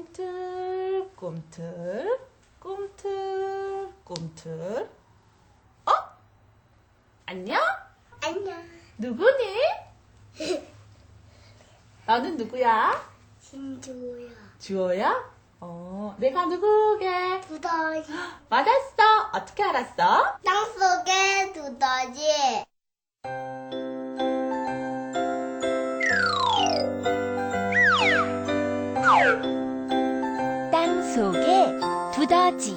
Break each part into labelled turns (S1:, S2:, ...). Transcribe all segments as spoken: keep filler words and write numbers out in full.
S1: 꿈틀 꿈틀 꿈틀 꿈틀. 어? 안녕?
S2: 안녕.
S1: 누구니? 너는 누구야?
S2: 신주야.
S1: 주호야? 어, 내가 누구게?
S2: 두더지.
S1: 맞았어. 어떻게 알았어?
S2: 땅속에 두더지.
S3: 땅 속에 두더지.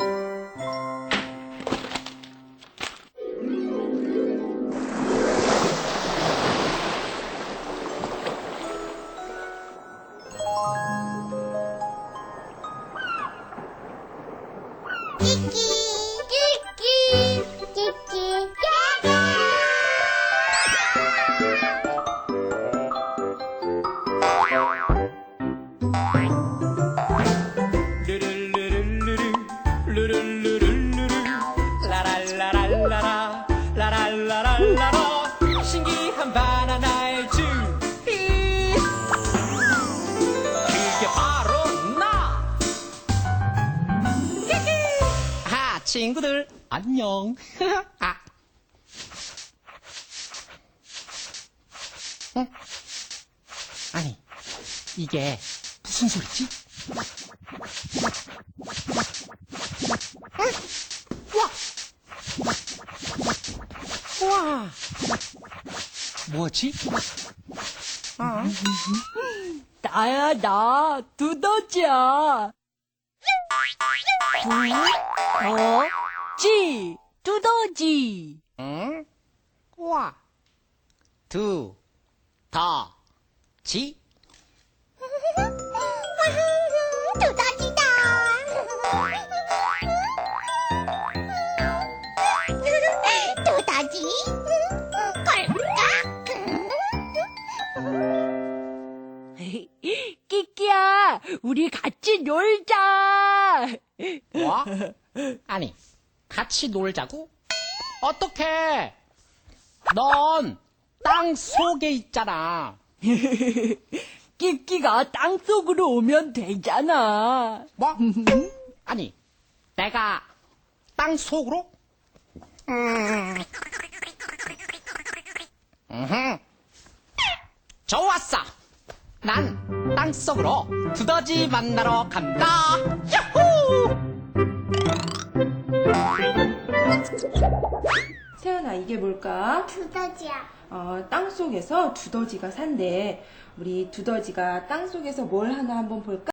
S2: 끼끼. 끼끼. 끼끼. 깨깨.
S4: 루루루루루루 루루루루루루 라랄라랄라라 라랄라랄라라 신기한 바나나의 주피 그게 바로 나 끼끼 아 친구들 안녕 아. 응? 아니 이게 무슨 소리지? 와! 와! 뭐지? 어?
S3: 나야, 나, 두더지야. 두더지, 두더지.
S4: 응? 와! 두, 더, 지?
S2: 두더지다. 두더지.
S3: 끼끼야, 우리 같이 놀자.
S4: 뭐? 아니, 같이 놀자고? 어떡해! 넌 땅 속에 있잖아.
S3: 끼끼가 땅 속으로 오면 되잖아.
S4: 뭐? 아니, 내가 땅 속으로? 음. 음흠. 좋았어. 난 땅 속으로 두더지 만나러 간다. 야호!
S1: 세연아, 이게 뭘까?
S2: 두더지야.
S1: 어, 땅 속에서 두더지가 산대. 우리 두더지가 땅 속에서 뭘 하나 한번 볼까?